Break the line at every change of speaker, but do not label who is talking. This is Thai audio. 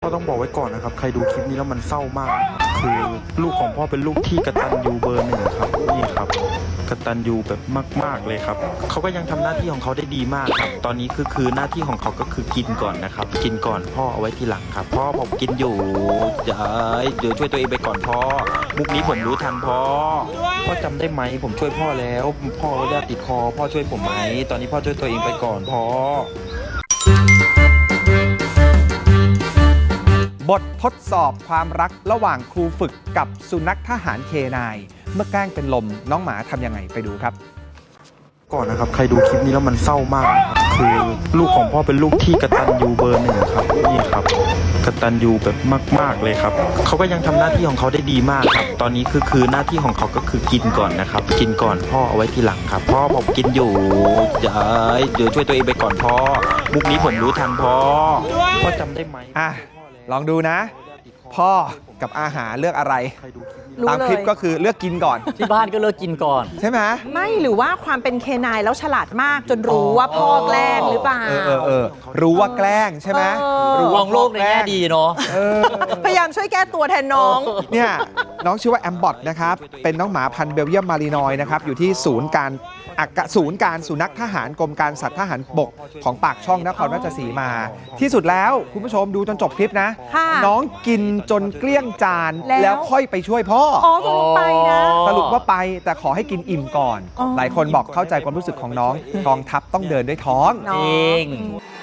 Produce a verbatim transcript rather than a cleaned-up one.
ก็ต้องบอกไว้ก่อนนะครับใครดูคลิปนี้แล้วมันเศร้ามากคือลูกของพ่อเป็นลูกที่กตัญญูเบอร์หนึ่งครับนี่ครับกตัญญูแบบมากๆเลยครับเขาก็ยังทำหน้าที่ของเขาได้ดีมากครับตอนนี้คือคือหน้าที่ของเขาก็คือกินก่อนนะครับกินก่อนพ่อเอาไว้ทีหลังครับพ่อผมกินอยู่เดี๋ยวเดี๋ยวช่วยตัวเองไปก่อนพ่อมุกนี้ผมรู้ทันพ่อพ่อจำได้ไหมผมช่วยพ่อแล้วพ่อเลือดติดคอพ่อช่วยผมไหมตอนนี้พ่อช่วยตัวเองไปก่อนพ่อบ
ททดสอบความรักระหว่างครูฝึกกับสุนัขทหารเคนายเมื่อแกล้งเป็นลมน้องหมาทำยังไงไปดูครับ
ก่อนนะครับใครดูคลิปนี้แล้วมันเศร้ามากครับคือลูกของพ่อเป็นลูกที่กตัญญูเบอร์หนึ่งครับนี่ครับกตัญญูแบบมากๆเลยครับเขาก็ยังทำหน้าที่ของเขาได้ดีมากครับตอนนี้คือคือหน้าที่ของเขาก็คือกินก่อนนะครับกินก่อนพ่อเอาไว้ทีหลังครับพ่อผมกินอยู่เดี๋ยวเดี๋ยวช่วยตัวเองไปก่อนพ่อมุกนี้ผมรู้ทันพ่อพ่อจำได้ไหม
อ่ะลองดูนะพ่อกับอาหารเลือกอะไรตามคลิปก็คือเลือกกินก่อน
ที่บ้านก็เลิกกินก่อน
ใช่ไหม
ไม่หรือว่าความเป็นเคนายแล้วฉลาดมากจนรู้ว่าพ่อแกล้งหรือเปล่า
เออเออเออรู้ว่าแกล้งใช่ไหม
รู้มองโลกในแง่ดีเนาะ
พยายามช่วยแก้ตัวแทนน้อง
เนี่ยน้องชื่อว่าแอมบอทนะครับเป็นน้องหมาพันธุ์เบลเยียมมารีนอยนะครับอยู่ที่ศูนย์การอักศูนย์การสุนัขทหารกรมการสัตว์ทหารบกของปากช่องนครราชสีมาที่สุดแล้วคุณผู้ชมดูจนจบคลิปนะน้องกินจนเกลี้ยงจานแล้วค่อยไปช่วยพ่อ
อ๋อสรุปไปนะ
สรุปว่าไปแต่ขอให้กินอิ่มก่อนหลายคนบอกเข้าใจความรู้สึกของน้องกองทัพต้องเดินด้วยท้อง
จริง